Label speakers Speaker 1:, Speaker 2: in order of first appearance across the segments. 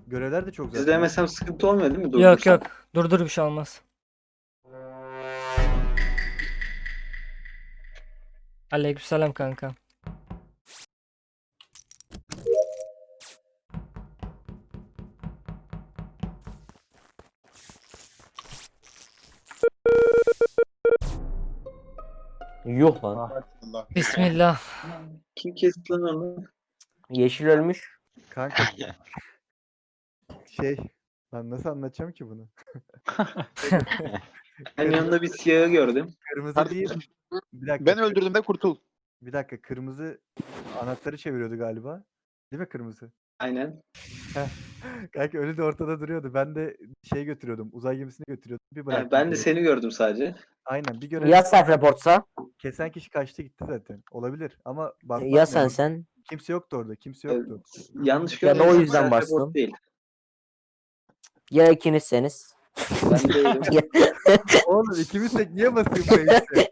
Speaker 1: Görevler de çok zaten.
Speaker 2: İzlemesem sıkıntı olmuyor değil mi?
Speaker 3: Yok
Speaker 2: Durdursam.
Speaker 3: yok. Durdur bir şey olmaz. Aleykümselam kanka.
Speaker 4: Yuh lan.
Speaker 5: Allah.
Speaker 3: Bismillah.
Speaker 2: Kim kesti lan onu?
Speaker 4: Yeşil ölmüş.
Speaker 1: Kanka şey lan nasıl anlatacağım ki bunu?
Speaker 2: Ben yanında bir siyahı gördüm.
Speaker 1: Kırmızı değil.
Speaker 5: Kardeşim,
Speaker 1: Bir dakika.
Speaker 5: ben öldürdüm de kurtul.
Speaker 1: Bir dakika kırmızı anahtarı çeviriyordu galiba. Değil mi kırmızı?
Speaker 2: Aynen.
Speaker 1: Kanka ölü de ortada duruyordu. Ben de şey götürüyordum. Uzay gemisini götürüyordum. Bir bıraktım.
Speaker 2: Ben de seni gördüm sadece.
Speaker 1: Aynen bir görev.
Speaker 4: Ya self reportsa?
Speaker 1: Kesen kişi kaçtı gitti zaten. Olabilir ama basmak
Speaker 4: Ya
Speaker 1: lazım.
Speaker 4: sen?
Speaker 1: Kimse yoktu orada. Kimse yoktu.
Speaker 2: Yanlış
Speaker 4: Ya da o
Speaker 2: görmediysem
Speaker 4: yüzden
Speaker 2: self report
Speaker 4: bastın.
Speaker 2: Değil.
Speaker 4: Ya ikinizseniz?
Speaker 2: Ben değilim.
Speaker 1: Oğlum ikimiz tek niye basıyor bu işte?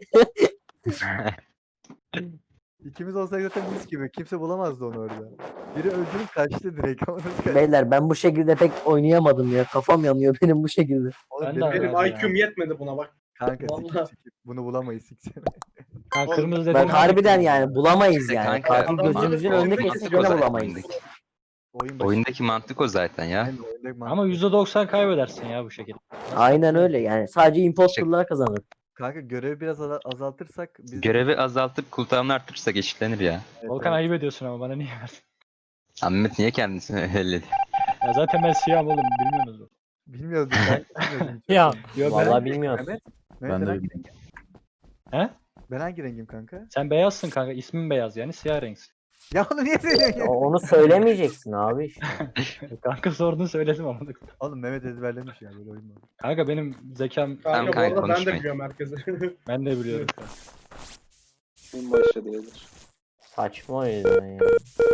Speaker 1: İkimiz olsak zaten mis gibi. Kimse bulamazdı onu orada. Biri öldürüp kaçtı direkt. Ama nasıl kaçtı?
Speaker 4: Beyler ben bu şekilde pek oynayamadım ya. Kafam yanıyor benim bu şekilde.
Speaker 1: Oğlum
Speaker 6: Ben de
Speaker 1: benim-
Speaker 6: abi.
Speaker 7: Benim IQ'm yetmedi buna bak.
Speaker 1: Kanka
Speaker 7: Vallahi.
Speaker 1: sikip. Bunu bulamayız siksene.
Speaker 6: Ha,
Speaker 5: Oğlum,
Speaker 6: kırmızı
Speaker 4: Ben
Speaker 6: dedim.
Speaker 4: harbiden yani bulamayız
Speaker 8: İşte
Speaker 4: yani.
Speaker 8: kanka,
Speaker 4: Katil
Speaker 7: adam
Speaker 4: gözümüzün
Speaker 7: zaten
Speaker 4: önünde
Speaker 7: oyundaki
Speaker 4: kesse
Speaker 8: mantık o
Speaker 4: gene
Speaker 8: zaten,
Speaker 4: bulamayız.
Speaker 8: oyundaki.
Speaker 1: Oyun başı.
Speaker 8: Oyundaki mantık o zaten ya.
Speaker 1: Aynen, oyundaki mantık.
Speaker 6: Ama %90 kaybedersin ya bu şekilde.
Speaker 4: Aynen öyle yani. Sadece imposterlar kazanır.
Speaker 1: Kanka görevi biraz azaltırsak biz
Speaker 8: Görevi azaltıp cooldown'u arttırırsak eşitlenir ya.
Speaker 1: Evet,
Speaker 6: Volkan
Speaker 1: evet.
Speaker 6: ayıp ediyorsun ama bana niye verdin?
Speaker 8: Ahmet niye kendisini elledi?
Speaker 6: Ya zaten ben siyahım oğlum bilmiyorsunuz mu?
Speaker 1: Bilmiyordum ben. Bilmiyordum.
Speaker 3: Ya.
Speaker 6: Yok
Speaker 4: Vallahi bilmiyoruz.
Speaker 1: Mehmet,
Speaker 9: Ben
Speaker 1: ben
Speaker 9: de
Speaker 1: hangi
Speaker 9: bilmiyorum.
Speaker 1: rengim?
Speaker 6: He?
Speaker 1: Ben hangi rengim kanka?
Speaker 6: Sen beyazsın kanka. İsmin beyaz yani siyah renksin.
Speaker 1: Ya onu niye söylüyorsun ya?
Speaker 4: Onu söylemeyeceksin abi işte.
Speaker 6: Kanka sordun söyledim ama.
Speaker 1: Oğlum Mehmet ezberlemiş ya böyle oyun mu?
Speaker 6: Kanka benim zekam
Speaker 7: Kanka bu
Speaker 8: kanka,
Speaker 7: arada ben de
Speaker 8: konuşmayın.
Speaker 7: biliyorum herkesi.
Speaker 6: ben de biliyorum.
Speaker 2: Oyun başladı beyler.
Speaker 4: Saçma o yüzden ya.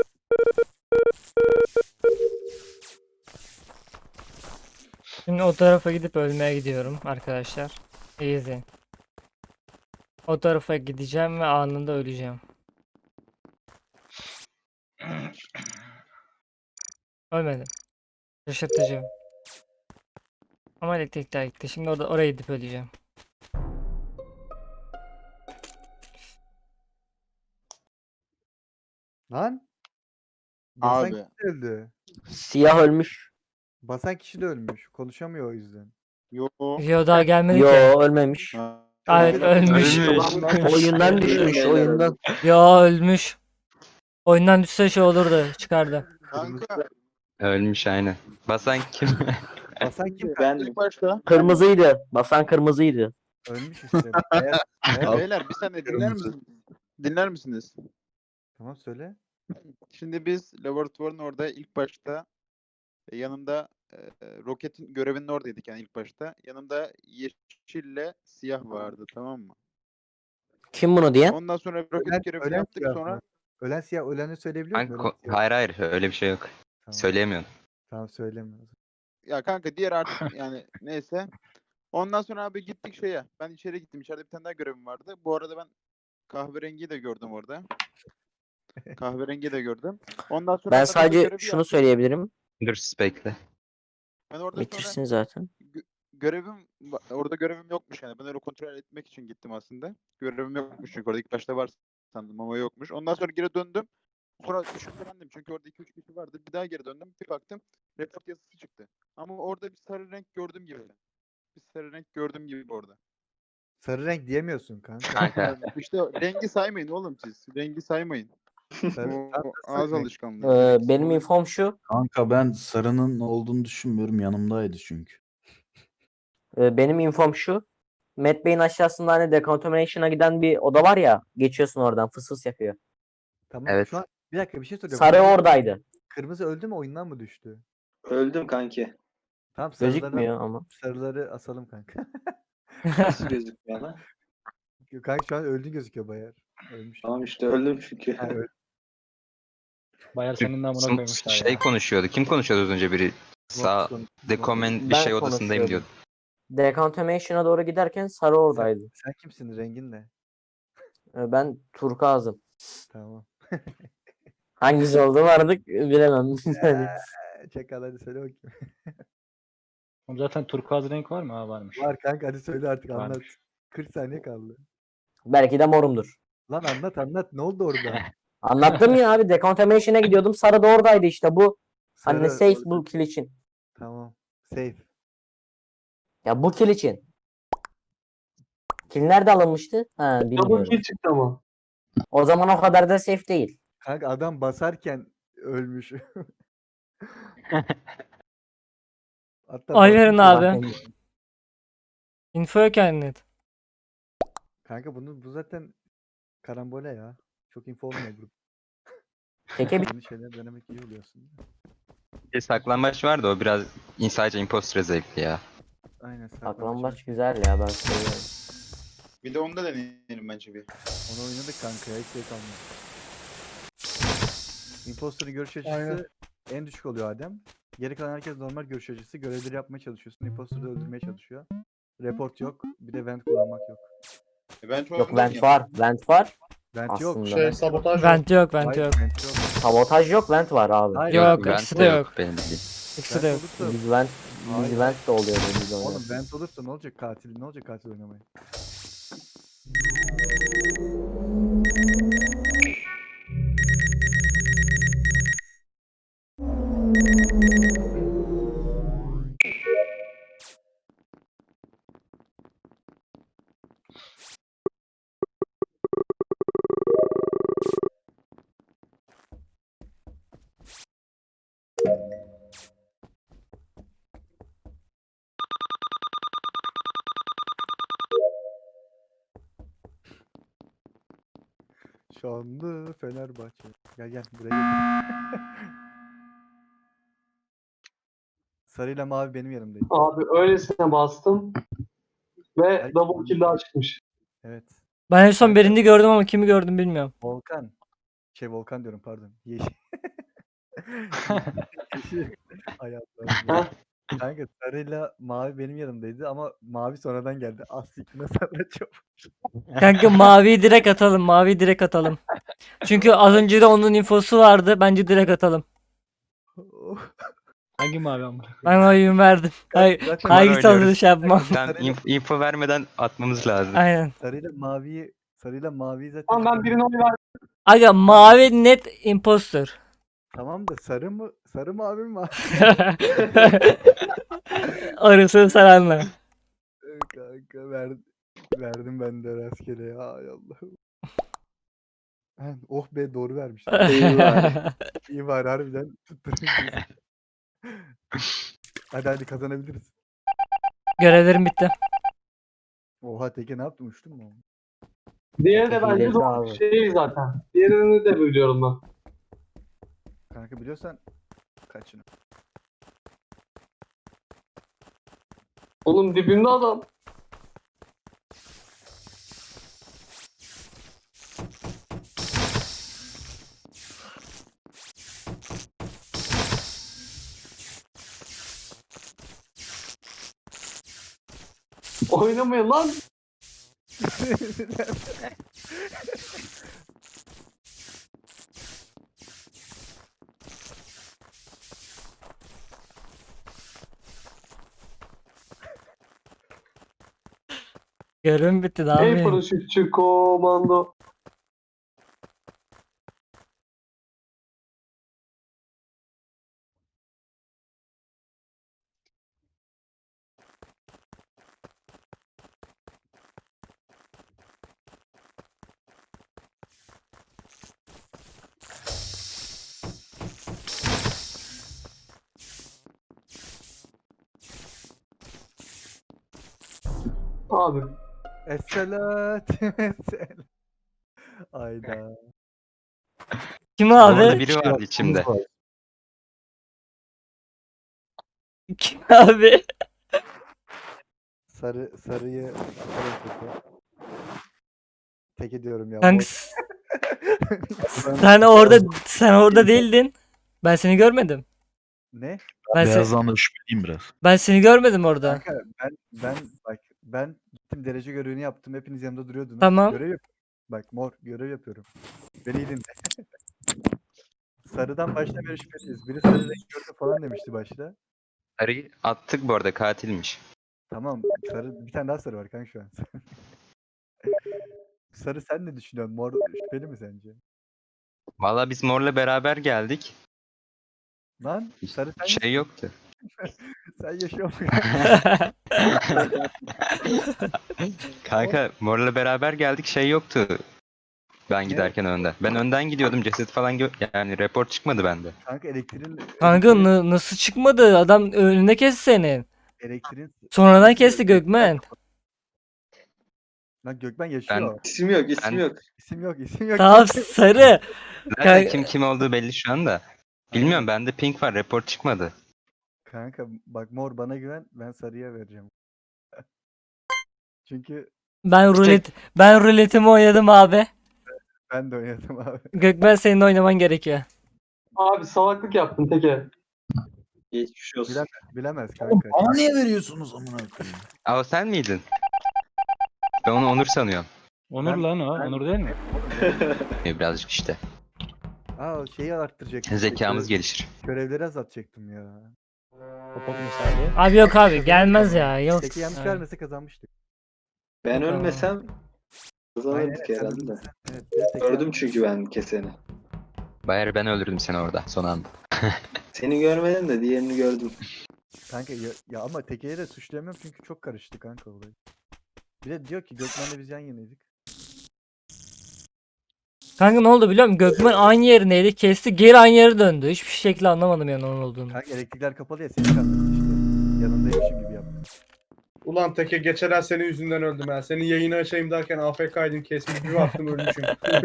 Speaker 3: Şimdi o tarafa gidip ölmeye gidiyorum arkadaşlar. İyi izleyin. O tarafa gideceğim ve anında öleceğim. Ölmedim. Şaşırtıcı. Ama elektrikler gitti. Şimdi oraya gidip öleceğim.
Speaker 1: Lan? Basan
Speaker 5: Abi.
Speaker 1: kişi de öldü.
Speaker 4: Siyah ölmüş.
Speaker 1: Basan kişi de ölmüş. Konuşamıyor o yüzden.
Speaker 5: Yo.
Speaker 3: Yo daha gelmedi ki.
Speaker 4: Yo ölmemiş.
Speaker 5: Ha.
Speaker 3: Evet ölmüş.
Speaker 4: Oyundan düşmüş
Speaker 2: Beyler
Speaker 4: oyundan.
Speaker 3: Yo ölmüş. Oyundan düşse şey olurdu. Çıkardı.
Speaker 5: Kanka
Speaker 8: Ölmüş aynen. Basan kim?
Speaker 1: Basan kim?
Speaker 2: Ben
Speaker 5: ilk başta
Speaker 4: Kırmızıydı. Basan kırmızıydı.
Speaker 1: Ölmüş işte. Beyaz- beyaz-
Speaker 5: beyler bir saniye dinler
Speaker 9: Kırmızı.
Speaker 5: misiniz? Dinler misiniz?
Speaker 1: Tamam söyle.
Speaker 5: Şimdi biz laboratuvarın orada ilk başta yanımda roketin görevinin oradaydık yani ilk başta. Yanımda yeşille siyah vardı, tamam mı?
Speaker 4: Kim bunu diyen?
Speaker 5: Ondan sonra roket görevini yaptık,
Speaker 1: siyah
Speaker 5: sonra
Speaker 1: mı? Ölen siyah öleni söyleyebiliyor musun?
Speaker 8: Kanka,
Speaker 1: Ölen siyah.
Speaker 8: hayır hayır öyle bir şey yok.
Speaker 1: Tamam.
Speaker 8: Söyleyemiyorum.
Speaker 1: Tamam söylemiyorum.
Speaker 5: ya kanka diğer artık yani neyse. Ondan sonra abi gittik şeye. Ben içeri gittim. İçeride bir tane daha görevim vardı. Bu arada ben kahverengiyi de gördüm orada. Kahverengiyi de gördüm. Ondan sonra
Speaker 4: Ben
Speaker 5: orada
Speaker 4: sadece
Speaker 5: görevi
Speaker 4: şunu
Speaker 5: yaptım.
Speaker 4: söyleyebilirim.
Speaker 8: Dur bekle.
Speaker 5: Ben orada
Speaker 4: Bitirsin
Speaker 5: sonra
Speaker 4: zaten.
Speaker 5: orada görevim yokmuş yani. Ben öyle kontrol etmek için gittim aslında. Görevim yokmuş çünkü orada ilk başta var sandım ama yokmuş. Ondan sonra geri döndüm. Sonra şüphelendim çünkü orada 2-3 kişi vardı. Bir daha geri döndüm. Bir baktım report yazısı çıktı. Ama orada bir sarı renk gördüm gibi. Bir sarı renk gördüm gibi orada.
Speaker 1: Sarı renk diyemiyorsun kanka.
Speaker 8: Kanka
Speaker 5: Yani işte rengi saymayın oğlum siz. Rengi saymayın.
Speaker 1: Sarı,
Speaker 5: O
Speaker 1: tam
Speaker 5: ağız
Speaker 1: sarı renk.
Speaker 5: alışkanlığı.
Speaker 4: Benim infom şu.
Speaker 9: Kanka ben sarının olduğunu düşünmüyorum. Yanımdaydı çünkü.
Speaker 4: Benim infom şu. Matt Bey'in aşağısında hani decontamination'a giden bir oda var ya. Geçiyorsun oradan fıs fıs yapıyor.
Speaker 1: Tamam.
Speaker 8: Evet.
Speaker 1: Şu an bir dakika bir şey soracağım.
Speaker 4: Sarı
Speaker 1: Kırmızı-
Speaker 4: oradaydı.
Speaker 1: Kırmızı öldü mü oyundan mı düştü?
Speaker 2: öldüm kanki.
Speaker 1: Tamam
Speaker 4: Gözükmüyor ama.
Speaker 1: sarıları asalım kanka.
Speaker 2: Nasıl gözükmüyor lan?
Speaker 1: Kanka şu an öldü gözüküyor bayağı. Ölmüş.
Speaker 2: Tamam işte öldüm çünkü.
Speaker 1: Ha, öldü.
Speaker 6: Bayar senin namına koymuşlar
Speaker 8: şey
Speaker 6: ya.
Speaker 8: konuşuyordu. Kim konuşuyordu az önce biri? Sağ dekomen bir
Speaker 4: Ben
Speaker 8: şey odasındayım
Speaker 4: konuşuyordum.
Speaker 8: diyordu.
Speaker 4: Decontamination'a doğru giderken sarı oradaydı.
Speaker 1: Sen kimsin? Rengin ne?
Speaker 4: Ben turkuazım.
Speaker 1: Tamam.
Speaker 4: Hangisi olduğunu artık bilemem. Yani
Speaker 1: Çakal hadi söyle bakayım.
Speaker 6: Oğlum zaten turkuaz renk var mı? Ha varmış.
Speaker 1: Var kanka hadi söyle artık anlat.
Speaker 6: Varmış.
Speaker 1: 40 saniye kaldı.
Speaker 4: Belki de morumdur.
Speaker 1: Lan anlat ne oldu orada?
Speaker 4: Anlattım ya abi, decontamination'a gidiyordum. Sarı da oradaydı işte bu. Hani
Speaker 1: Sarı
Speaker 4: safe
Speaker 1: orada.
Speaker 4: bu kill için.
Speaker 1: Tamam. Safe.
Speaker 4: Ya bu kill için. Kill nerede alınmıştı? Ha
Speaker 7: Double
Speaker 4: bilmiyorum.
Speaker 7: kill çıktı ama.
Speaker 4: O zaman o kadar da safe değil.
Speaker 1: Kanka adam basarken ölmüş. Hatta
Speaker 3: Ay verin
Speaker 1: basmış.
Speaker 3: abi. Info yok yani net.
Speaker 1: Kanka bu zaten karambole ya. Çok info olmuyor grup.
Speaker 4: Teke bir
Speaker 1: Yeni şeyler denemek iyi oluyor aslında.
Speaker 8: Bir saklambaç vardı o biraz sadece impostor zevkli ya.
Speaker 1: Aynen.
Speaker 4: saklambaç güzel ya, ben seviyorum.
Speaker 5: Bir de onu da deneyelim bence bir.
Speaker 1: Onu oynadık kanka ya. Hiç şey kalmadı. Imposter'ın görüş açısı
Speaker 7: Aynen.
Speaker 1: en düşük oluyor Adem. Geri kalan herkes normal görüş açısı. Görevleri yapmaya çalışıyorsun. Imposter'ı da öldürmeye çalışıyor. Report yok. Bir de vent kullanmak yok.
Speaker 5: Ben şu
Speaker 4: Yok
Speaker 5: anda
Speaker 4: vent var. Vent var.
Speaker 1: Vent yok.
Speaker 4: Aslında.
Speaker 7: Şey
Speaker 1: vent yok.
Speaker 7: sabotaj yok.
Speaker 3: Vent yok, vent
Speaker 1: Hayır,
Speaker 3: yok.
Speaker 1: vent yok.
Speaker 4: Sabotaj yok, vent var abi.
Speaker 1: Hayır,
Speaker 3: Yok,
Speaker 8: Vent
Speaker 3: ikisi
Speaker 8: de
Speaker 3: de yok.
Speaker 8: benim bildiğim.
Speaker 3: İkisi de
Speaker 1: Vent
Speaker 3: yok.
Speaker 1: olursa,
Speaker 4: Biz vent,
Speaker 1: Hayır.
Speaker 4: biz vent de oluyordu biz
Speaker 1: oğlum
Speaker 4: oynarken.
Speaker 1: vent olursa ne olacak katil? Ne olacak katil oynamaya? Şanlı Fenerbahçe. Gel buraya gel. Sarıyla mavi benim yanımdaydı.
Speaker 7: Abi öylesine bastım ve
Speaker 1: Ay,
Speaker 7: double kill daha çıkmış.
Speaker 1: Evet.
Speaker 3: Ben en son
Speaker 1: Kanka-
Speaker 3: birini gördüm ama kimi gördüm bilmiyorum.
Speaker 1: Volkan. Volkan diyorum pardon. Yeşil. Yeşil. Ay Allah'ım. Kanka sarıyla mavi benim yanımdaydı ama mavi sonradan geldi. Siktir nasıl anlatacağım?
Speaker 3: Kanka maviyi direkt atalım. Maviyi direkt atalım. Çünkü az önce de onun infosu vardı. Bence direkt atalım.
Speaker 6: Hangi mavi amına?
Speaker 3: Ben oyun verdim. Hayır,
Speaker 1: Zaten
Speaker 3: hangisi
Speaker 8: oynuyoruz.
Speaker 3: olduğunu şey yapmam.
Speaker 8: Tam info vermeden atmamız lazım.
Speaker 3: Aynen.
Speaker 1: sarıyla maviyi zaten
Speaker 7: Tamam ben birine oy verdim.
Speaker 3: Aga mavi net imposter.
Speaker 1: tamam da sarı mı? Sarı mavi mi?
Speaker 3: Orasını sen anla.
Speaker 1: Kanka verdim ben de rastgele ya. Ay Allah'ım. Oh be doğru vermiş. İyi var harbiden tutturmuşuz. Hadi kazanabiliriz.
Speaker 3: Görevlerim bitti.
Speaker 1: Oha Teke ne yaptın uçtun mu?
Speaker 7: Diğeri de bence
Speaker 4: Hileci
Speaker 7: doğru
Speaker 4: abi.
Speaker 7: bir şey zaten. Diğerini de biliyorum ben.
Speaker 1: Kanka biliyorsan kaçını.
Speaker 7: Oğlum dibimde adam. Oynamayın lan.
Speaker 3: Görevim bitti daha
Speaker 7: Ey
Speaker 3: mı?
Speaker 7: paraşütçü komando. Abi
Speaker 1: Esselat. Esselat. Ayda.
Speaker 3: Kim
Speaker 8: Orada
Speaker 3: abi?
Speaker 8: biri vardı içimde.
Speaker 3: Kim abi?
Speaker 1: Sarıyı atarım Teke. Teke diyorum ya.
Speaker 3: Kanka
Speaker 1: bot.
Speaker 3: sen orada değildin. Ben seni görmedim.
Speaker 1: Ne?
Speaker 9: Beyazdan da şüpheliyim biraz.
Speaker 3: Ben seni görmedim orada.
Speaker 1: Kanka ben gittim derece görevini yaptım. Hepiniz yanımda duruyordunuz.
Speaker 3: Tamam.
Speaker 1: Görev yapıyorum. Bak mor görev yapıyorum. Beni iyi dinle. sarıdan başta beri şüpheliyiz. Biri sarı renk gördü falan demişti başta.
Speaker 8: Arıyı attık bu arada, katilmiş.
Speaker 1: Tamam sarı bir tane daha sarı var kanka şu an. Sarı sen ne düşünüyorsun? Mor şüpheli mi sence?
Speaker 8: Valla biz Mor'la beraber geldik.
Speaker 1: Lan sarı sen,
Speaker 8: Şey yoktu.
Speaker 1: sen yaşıyor musun?
Speaker 8: Kanka Mor'la beraber geldik, şey yoktu. Ben giderken önden. Ben önden gidiyordum, ceset falan yani report çıkmadı bende.
Speaker 1: Kanka elektriğin
Speaker 3: Kanka nasıl çıkmadı? Adam önünde kesti senin.
Speaker 1: elektriğin
Speaker 3: Sonradan kesti Gökmen.
Speaker 1: Lan Gökmen yaşıyor.
Speaker 2: İsim yok, isim
Speaker 8: Ben-
Speaker 2: yok.
Speaker 1: İsim yok, isim yok.
Speaker 3: Tamam sarı.
Speaker 8: Zaten
Speaker 3: Kanka-
Speaker 8: kim olduğu belli şu anda. Bilmiyorum, bende pink var, report çıkmadı.
Speaker 1: Kanka bak mor bana güven, ben sarıya vereceğim. Çünkü
Speaker 3: Ben ruletimi oynadım abi.
Speaker 1: ben de oynadım abi.
Speaker 3: Gökmen senin oynaman gerekiyor.
Speaker 7: Abi salaklık yaptın teke.
Speaker 2: Geçmiş olsun.
Speaker 1: Bilemez
Speaker 9: Oğlum
Speaker 1: kanka.
Speaker 9: bana niye veriyorsunuz amına koyayım?
Speaker 8: Aa, o sen miydin? Ben onu Onur sanıyorum.
Speaker 6: Onur
Speaker 1: Ben-
Speaker 6: lan o.
Speaker 1: ben-
Speaker 6: Onur değil mi?
Speaker 8: Birazcık işte.
Speaker 1: Aa şeyi arttıracak.
Speaker 8: Zekamız gelişir.
Speaker 1: Görevleri azaltacaktım ya.
Speaker 6: Popot misali.
Speaker 3: Abi yok abi gelmez ya. Yok.
Speaker 1: Teki yanlış
Speaker 3: Aynen.
Speaker 1: vermese kazanmıştık.
Speaker 2: Ben
Speaker 3: Tamam.
Speaker 2: ölmesem
Speaker 1: Aynen,
Speaker 2: kazanırdık
Speaker 1: sen
Speaker 2: herhalde.
Speaker 1: öldürsen. Evet, bir de Teki
Speaker 2: Gördüm
Speaker 1: yanlış-
Speaker 2: çünkü ben keseni.
Speaker 8: Bayar, ben öldürdüm seni orada son anda.
Speaker 2: Seni görmedim de diğerini gördüm.
Speaker 1: Kanka ya ama Teke'yi de suçlayamıyorum çünkü çok karıştı kanka olay. Bir de diyor ki Gökmen'le biz yan yanaydık.
Speaker 3: Kanka ne oldu biliyor musun? Gökmen aynı yerindeydi. Kesti geri aynı yere döndü. Hiçbir şekilde anlamadım yani onun olduğunu.
Speaker 1: Kanka elektrikler kapalı ya seni kandırdı işte. Yanındaymışım gibi yaptım.
Speaker 10: Ulan Teke geçen senin yüzünden öldüm ha. Senin yayını açayım derken AFK'ydın kesmiş bir baktım ölmüşüm.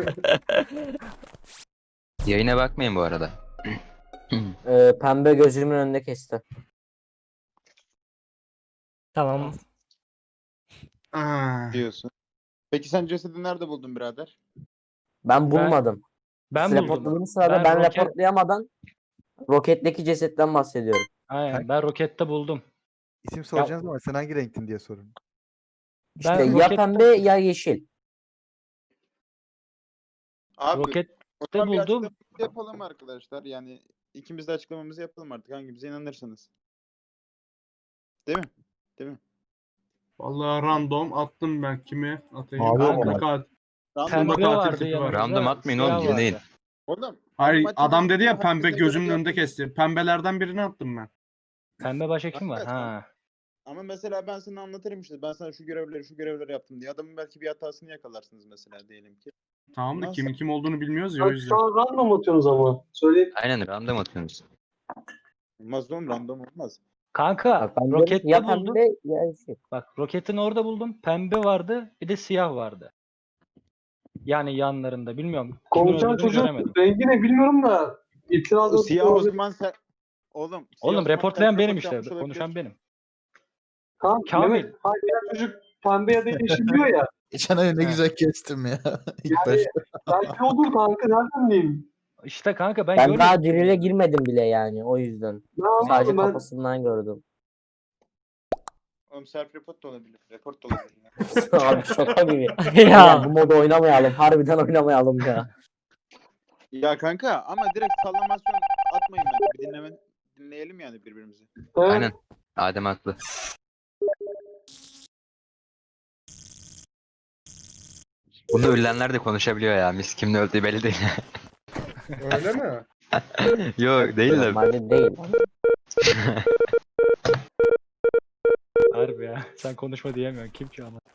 Speaker 8: Yayına bakmayın bu arada.
Speaker 4: Pembe gözümün önünde kesti.
Speaker 3: Tamam.
Speaker 5: Diyorsun. Peki sen cesedi nerede buldun birader?
Speaker 4: Ben bulmadım.
Speaker 6: Ben
Speaker 4: Siz
Speaker 6: buldum.
Speaker 4: reportladığınız sırada
Speaker 6: Ben
Speaker 4: ben
Speaker 6: roket-
Speaker 4: reportlayamadan roketteki cesetten bahsediyorum.
Speaker 6: Aynen, ben rokette buldum.
Speaker 1: İsim soracaksınız ama sen hangi renktin diye sorun.
Speaker 4: İşte
Speaker 6: Ben
Speaker 4: ya
Speaker 6: rokette-
Speaker 4: pembe ya yeşil.
Speaker 5: Abi
Speaker 6: Rokette
Speaker 5: o zaman bir
Speaker 6: buldum.
Speaker 5: açıklamamızı yapalım arkadaşlar. Yani ikimiz de açıklamamızı yapalım artık, hangimize inanırsanız. Değil mi? Değil mi?
Speaker 10: Vallahi random attım ben kimi atayım.
Speaker 9: Abi
Speaker 10: Ben
Speaker 9: ama-
Speaker 10: de kat-
Speaker 5: Random
Speaker 10: Pembe
Speaker 6: Pembe
Speaker 10: katil
Speaker 6: vardı
Speaker 10: tipi
Speaker 6: yanımda.
Speaker 10: var.
Speaker 8: Random atmayın oğlum,
Speaker 6: siyah
Speaker 8: dinleyin.
Speaker 6: vardı.
Speaker 5: Oğlum.
Speaker 10: Hayır
Speaker 5: maçı
Speaker 10: adam dedi ya
Speaker 5: herkesin
Speaker 10: pembe
Speaker 5: görevi
Speaker 10: gözümün önünde
Speaker 5: yaptığını-
Speaker 10: kesti. Pembelerden birini attım ben.
Speaker 6: Pembe başka kim var?
Speaker 5: Kanka,
Speaker 6: Ha.
Speaker 5: Ama mesela ben sana anlatırım işte. Ben sana şu görevleri yaptım diye. Adamın belki bir hatasını yakalarsınız mesela diyelim ki.
Speaker 10: Tamam da
Speaker 5: Nasıl?
Speaker 10: kimin kim olduğunu bilmiyoruz ya o
Speaker 7: Abi
Speaker 10: yüzden.
Speaker 7: şu an random atıyorsunuz ama. Söyleyeyim.
Speaker 8: Aynen, random atıyorsunuz.
Speaker 5: Olmaz oğlum, random olmaz.
Speaker 6: Kanka
Speaker 4: Bak ben diyorum ki
Speaker 6: rokette
Speaker 4: ya
Speaker 6: buldum.
Speaker 4: pembe ya yeşil.
Speaker 6: Bak roketin orada buldum. Pembe vardı. Bir de siyah vardı. Yani yanlarında. Bilmiyorum. Kimin
Speaker 7: Konuşan
Speaker 6: öldürdüğünü
Speaker 7: çocuk
Speaker 6: göremedim.
Speaker 7: rengi ne bilmiyorum da. İtiraz
Speaker 5: O siyah o zaman sen... Oğlum. siyah o
Speaker 6: Oğlum
Speaker 5: zaman
Speaker 6: reportlayan
Speaker 5: sen
Speaker 6: benim
Speaker 5: report
Speaker 6: işte.
Speaker 5: yapmış olabilir.
Speaker 6: Konuşan benim.
Speaker 7: Tamam,
Speaker 6: Kamil.
Speaker 7: Mehmet, hayır, diğer çocuk pembe ya da yeşil diyor ya.
Speaker 9: Geçen ay ne
Speaker 6: Ha.
Speaker 9: güzel kestim ya. İlk
Speaker 7: Yani
Speaker 9: başta.
Speaker 7: belki olur kanka nereden bileyim.
Speaker 6: İşte kanka ben
Speaker 4: Ben
Speaker 6: görmedim.
Speaker 4: daha dirile girmedim bile yani o yüzden.
Speaker 7: Ne
Speaker 4: Sadece
Speaker 7: anladım ben.
Speaker 4: kafasından gördüm.
Speaker 5: Oğlum self report da olabilir. Report da olabilir.
Speaker 4: Abi şaka gibi.
Speaker 3: Ya.
Speaker 4: Ya bu modu oynamayalım. Harbiden oynamayalım ya.
Speaker 5: Ya kanka ama direkt sallamasyon atmayın bence. Bir dinleyelim yani birbirimizi.
Speaker 7: Evet.
Speaker 8: Aynen. Adem haklı. Bunu ölenler de konuşabiliyor ya. Mis kimin öldüğü belli değil.
Speaker 10: Öyle mi?
Speaker 8: Yok değil de.
Speaker 4: Normalde değil.
Speaker 6: Harbi ya. Sen konuşma diyemiyorsun. Kim ki ama?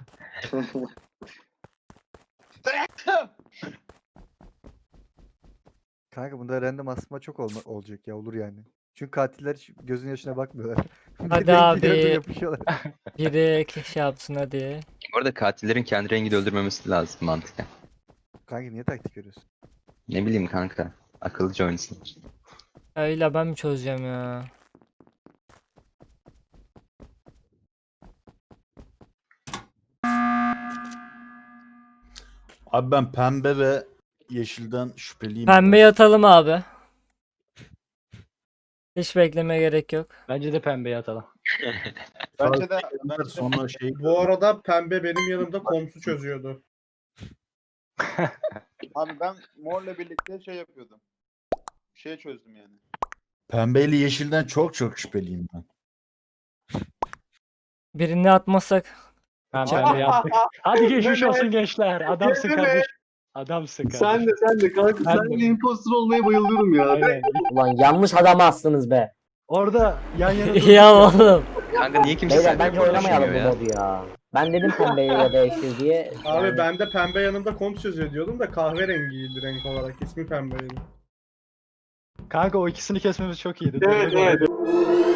Speaker 1: Kanka bunda random asma çok olacak ya olur yani. Çünkü katiller hiç gözün yaşına bakmıyorlar. Bir
Speaker 3: Hadi
Speaker 1: de
Speaker 3: abi.
Speaker 1: renkli yapışıyorlar.
Speaker 3: Biri şey yapsın hadi.
Speaker 8: Bu arada katillerin kendi rengini öldürmemesi lazım mantıken.
Speaker 1: Kanka niye taktik veriyorsun?
Speaker 8: Ne bileyim kanka. Akıllıca oynasın.
Speaker 3: Öyle ben mi çözeceğim ya?
Speaker 9: Abi ben pembe ve yeşilden şüpheliyim.
Speaker 3: Pembe
Speaker 9: biraz.
Speaker 3: yatalım abi. Hiç bekleme gerek yok.
Speaker 6: Bence de pembeye atalım.
Speaker 5: Bence de
Speaker 9: Sonra şey
Speaker 10: Bu arada pembe benim yanımda komsu çözüyordu.
Speaker 5: abi ben morla birlikte şey yapıyordum. şey çözdüm yani.
Speaker 9: Pembeyle yeşilden çok şüpheliyim ben.
Speaker 3: Birini atmasak.
Speaker 6: Tamam
Speaker 3: Çak.
Speaker 6: pembe yaptık. Hadi geçmiş
Speaker 7: Mehmet.
Speaker 6: olsun gençler. Adamsın
Speaker 7: Mehmet.
Speaker 6: kardeş. Adamsın kardeş.
Speaker 7: Sen de kanka
Speaker 6: Ben
Speaker 7: sen
Speaker 6: de.
Speaker 7: de imposter olmaya bayılıyorum ya.
Speaker 6: Aynen.
Speaker 4: Ulan yanlış adamı astınız be.
Speaker 6: Orada yan yana
Speaker 3: Ya oğlum.
Speaker 8: Kanka niye kimse
Speaker 4: Beyler
Speaker 8: seninle
Speaker 4: bence oynamayalım
Speaker 8: konuşmuyor
Speaker 4: bu
Speaker 8: ya?
Speaker 4: modu ya. Ben dedim pembeyi ya da yeşil diye.
Speaker 10: Abi
Speaker 4: Yani
Speaker 10: ben de pembe yanında komp çözüyor diyordum da kahverengiydi renk olarak. İsmi pembeydi.
Speaker 6: Kanka o ikisini kesmemiz çok iyiydi.
Speaker 7: Evet evet.